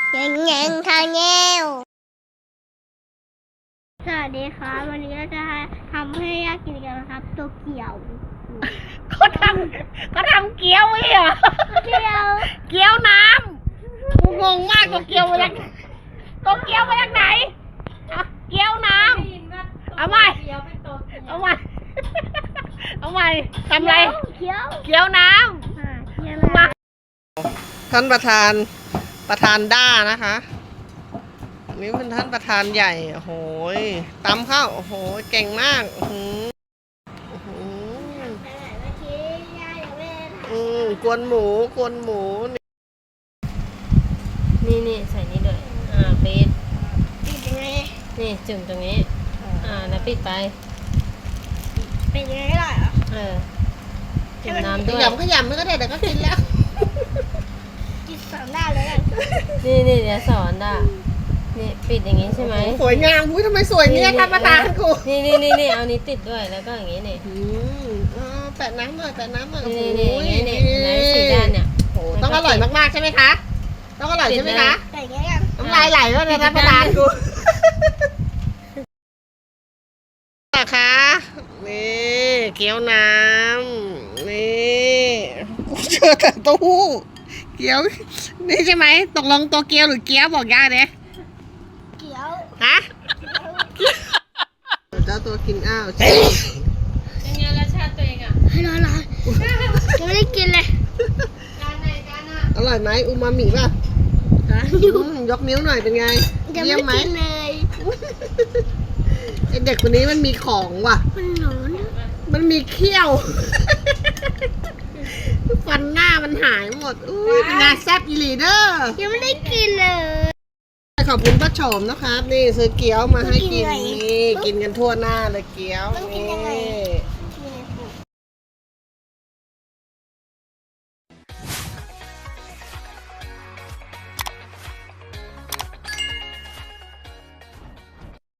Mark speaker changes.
Speaker 1: แงงแงงทางแงวสวัสดีครับวันนี้เราจะทำให้ย่ากินกันนะครับโตเกียว
Speaker 2: เขาทำเกี๊ยวไว้เหรอเกี๊ยวน้ำกูงงมากตัวเกี๊ยวมาจากไหนเกี๊ยวน้ำเอาใหม่ทำไรเกี๊ยวน้ำท่านประธานด้านะคะอันนี้เป็นท่านประธานใหญ่โอ้โหตำข้าวโอ้โหเก่งมากกวนหมูนี่ใส่นี่ด้วยปิดยังไงนี่จุ่มตรงนี้แล้วปิดไป
Speaker 1: เป็นยังไงล่ะ
Speaker 2: จุ่มน้ำด้วยขยำไม่ก็ได้เดี๋ยวก็กินแล้ว
Speaker 1: กินสอนได้เลย
Speaker 2: นี่เดี๋ยวสอนได้นี่ปิดอย่างนี้ใช่ไหมสวยงามอุ้ยทำไมสวยเนี่ยท่านประธานกูนี่เอานี้ติดด้วยแล้วก็อย่างนี้นี่แปะน้ำหน่อยนี่สีด้านเนี่ยต้องอร่อยมากๆใช่ไหมคะต้องอร่อยใช่ไหมคะน้ำลายไหลแล้วเนี่ยท่านประธานกูนะคะนี่เกี๊ยวน้ำนี่กูเจอแต่เต้าหู้เกี๊ยวนี่ใช่ไหมตกลงตัวเกี๊ยวหรือเกี๊ยวบอกย่าเนี่ย
Speaker 1: เกี๊ยว
Speaker 2: ฮะเจ้าตัวกินอ้าวเป็นไงรสชาติตัวเองอ่ะ
Speaker 1: ร้อนยังไม่ได้กินเลย
Speaker 2: อร่อยไหมอูมามิป่ะยกนิ้วหน่อยเป็นไงเยี่ยมไหมไอเด็กคนนี้มันมีของว่ะมันมีเขี้ยวฟันหน้ามันหายหมดอุ้ยเป็นไงแซ่บอีหลีเดอร์
Speaker 1: ยังไม่ได้กินเลย
Speaker 2: ขอบคุณป้าโฉมนะครับนี่ซื้อเกี๊ยวมาให้กินนี่กินกันทั่วหน้าเลยเกี๊ยวนี่